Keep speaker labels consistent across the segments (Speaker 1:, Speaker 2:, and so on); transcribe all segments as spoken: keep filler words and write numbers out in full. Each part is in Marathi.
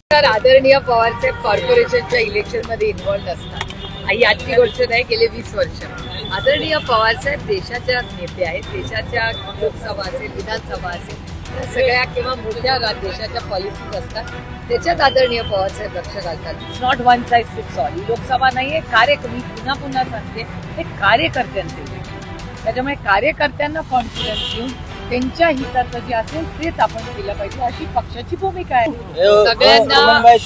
Speaker 1: तर आदरणीय पवारसाहेब कॉर्पोरेशनच्या इलेक्शनमध्ये इन्व्हॉल्व असतात. ही आजची गोष्ट नाही, गेले वीस वर्ष आदरणीय पवारसाहेब देशाच्या नेते आहेत. देशाच्या लोकसभा असेल, विधानसभा असेल, या सगळ्या किंवा मोठ्या देशाच्या पॉलिसीज असतात, त्याच्यात आदरणीय पवारसाहेब लक्ष घालतात. It's not one size fits all. ही लोकसभा नाहीये, कार्यक्रम पुन्हा पुन्हा सांगते, हे कार्यकर्त्यांचे. त्याच्यामुळे कार्यकर्त्यांना कॉन्फिडन्स देऊन त्यांच्या हिताचं जे असेल तेच आपण केलं पाहिजे, अशी पक्षाची भूमिका आहे. सगळ्यांना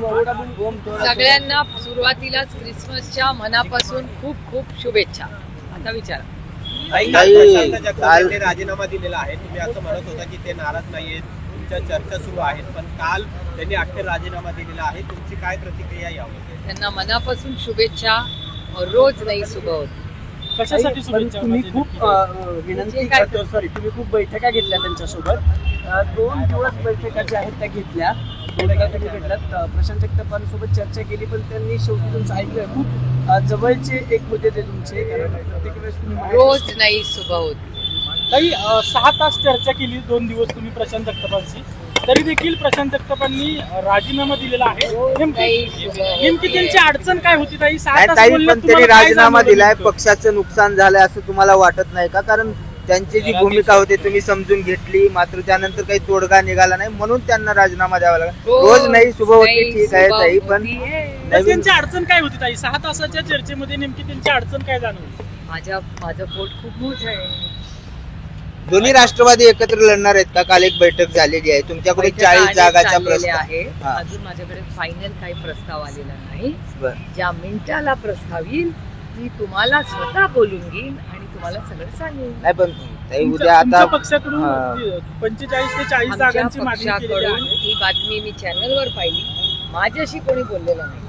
Speaker 1: सगळ्यांना सुरुवातीलाच क्रिसमसच्या मनापासून खूप खूप शुभेच्छा. आता विचारा.
Speaker 2: राजीनामा दिलेला आहे, तुम्ही असं म्हणत होता की ते नाराज नाहीयेत, तुमच्या चर्चा सुरू आहेत, पण काल त्यांनी अखेर राजीनामा दिलेला आहे. तुमची काय प्रतिक्रिया यावर?
Speaker 1: त्यांना मनापासून शुभेच्छा. रोज नाही सुबह होती.
Speaker 3: कशासाठी शुभेच्छा? तुम्ही खूप विनंती करतो, सॉरी तुम्ही खूप बैठका घेतल्या त्यांच्यासोबत. दोन दिवस बैठका ज्या आहेत त्या घेतल्या, बैठका तुम्ही घेतल्यात. प्रशांत जगतापांसोबत चर्चा केली, पण त्यांनी शेवटी तुमचं ऐकलं. खूप जवळचे एक मुद्दे ते तुमचे, कारण प्रत्येक वेळेस तुम्ही
Speaker 1: रोज नाही सुबह होती.
Speaker 3: काही सहा तास चर्चा केली दोन दिवस तुम्ही प्रशांत जगतापांशी, तरी देखील प्रशांत जगतापांनी राजीनामा दिलेला आहे. नेमकी त्यांची अडचण काय होती ताई? सहा तास
Speaker 4: पण त्यांनी राजीनामा दिलाय, पक्षाचं नुकसान झालंय असं तुम्हाला वाटत नाही का? कारण त्यांची जी भूमिका होती तुम्ही समजून घेतली, मात्र त्यानंतर काही तोडगा निघाला नाही, म्हणून त्यांना राजीनामा द्यावा लागला. रोज नाही सुबह होती, ठीक आहे ताई, पण
Speaker 3: त्यांची अडचण काय होती ताई? सहा तासाच्या चर्चेमध्ये नेमकी त्यांची अडचण काय जाणवली?
Speaker 1: माझ्या माझं पोट खूप मोठं आहे.
Speaker 4: दोन्ही राष्ट्रवादी एकत्र लढणार आहेत का? काल एक बैठक झालेली आहे, तुमच्याकडे चाळीस जागाचा प्रस्ताव
Speaker 1: आहे. अजून माझ्याकडे फायनल काही प्रस्ताव आलेला नाही. ज्या मिनिटाला प्रस्ताव येईल मी तुम्हाला स्वतः बोलून घेईन आणि तुम्हाला सगळं सांगेन.
Speaker 4: नाही पण उद्या आता
Speaker 3: पक्षाकडून पंचेचाळीस ते चाळीस जागांची मागणी
Speaker 1: ही बातमी मी चॅनलवर पाहिली. माझ्याशी कोणी बोललेलं नाही.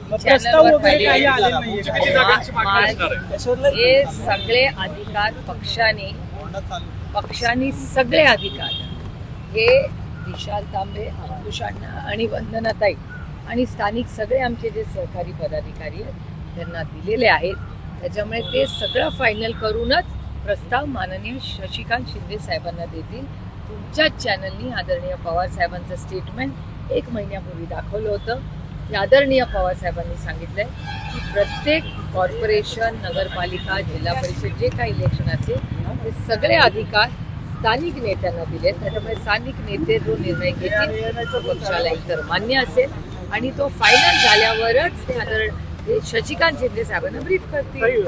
Speaker 1: हे सगळे अधिकार पक्षाने पक्षाने सगळे अधिकार हे विशाल तांबे, अंकुश अण्णा आणि वंदनाताई आणि स्थानिक सगळे आमचे जे सहकारी पदाधिकारी आहेत त्यांना दिलेले आहेत. त्याच्यामुळे ते सगळं फायनल करूनच प्रस्ताव माननीय शशिकांत शिंदे साहेबांना देतील. तुमच्याच चॅनलनी आदरणीय पवार साहेबांचं स्टेटमेंट एक महिन्यापूर्वी दाखवलं होतं की आदरणीय पवार साहेबांनी सांगितलंय की प्रत्येक कॉर्पोरेशन, नगरपालिका, जिल्हा परिषद जे काही इलेक्शन असेल ते सगळे अधिकार स्थानिक नेत्यांना दिलेत. त्याच्यामुळे स्थानिक नेते जो निर्णय घेतील तो पक्षाला इतर मान्य असेल आणि तो फायनल झाल्यावरच ते आदर शशिकांत शिंदे साहेबांना ब्रीफ करतील.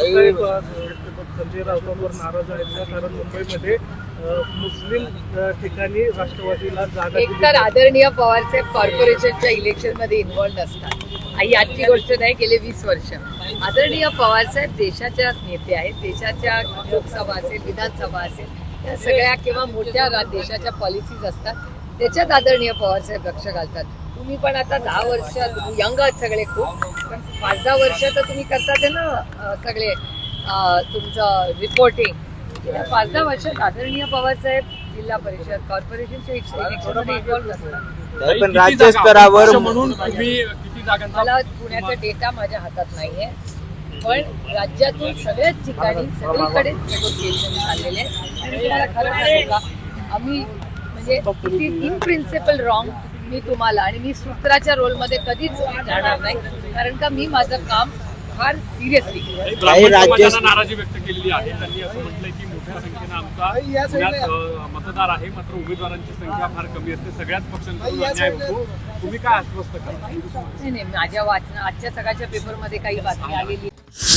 Speaker 3: संजय राऊतांवर नाराज आहेत कारण मुंबईमध्ये मुस्लिम ठिकाणी राष्ट्रवादीला जागा.
Speaker 1: एक तर आदरणीय पवारसाहेब कॉर्पोरेशनच्या इलेक्शनमध्ये इन्व्हॉल्व असतात. ही आजची गोष्ट नाही, गेले वीस वर्ष आदरणीय पवारसाहेब देशाच्या नेते आहेत. देशाच्या लोकसभा असेल, विधानसभा असेल, या सगळ्या किंवा मोठ्या देशाच्या पॉलिसीज असतात, त्याच्यात आदरणीय पवारसाहेब लक्ष घालतात. तुम्ही पण आता दहा वर्ष यंग आहात सगळे खूप, पण पाच दहा वर्ष तर तुम्ही करतात ना सगळे तुमचं रिपोर्टिंग. गेल्या पाच दहा वर्षात आदरणीय पवारसाहेब जिल्हा परिषद, कॉर्पोरेशनच्या इलेक्शनमध्ये इन्व्हॉल्व असतात.
Speaker 4: पण राज्य स्तरावर
Speaker 3: म्हणून
Speaker 1: मला पुण्याचा डेटा माझ्या हातात नाहीये, पण राज्यातून सगळ्याच ठिकाणी सगळीकडे नेगोशिएशन चाललेले आहे. आणि तुम्हाला खरं सांगू का, आम्ही म्हणजे it is in principle wrong. मी तुम्हाला आणि मी सूत्राच्या रोलमध्ये कधीच जाणार नाही, कारण का मी माझं काम फार सिरियसली.
Speaker 5: नाराजी व्यक्त केलेली आहे. त्यांनी असं म्हटलंय की मोठ्या संख्येनं आमचा मतदार आहे, मात्र उमेदवारांची संख्या फार कमी असते, सगळ्याच पक्षांकडून अन्याय होतो. तुम्ही काय आश्वस्त करा?
Speaker 1: नाही नाही, माझ्या वाचना आजच्या सकाळच्या पेपरमध्ये काही बातमी आलेली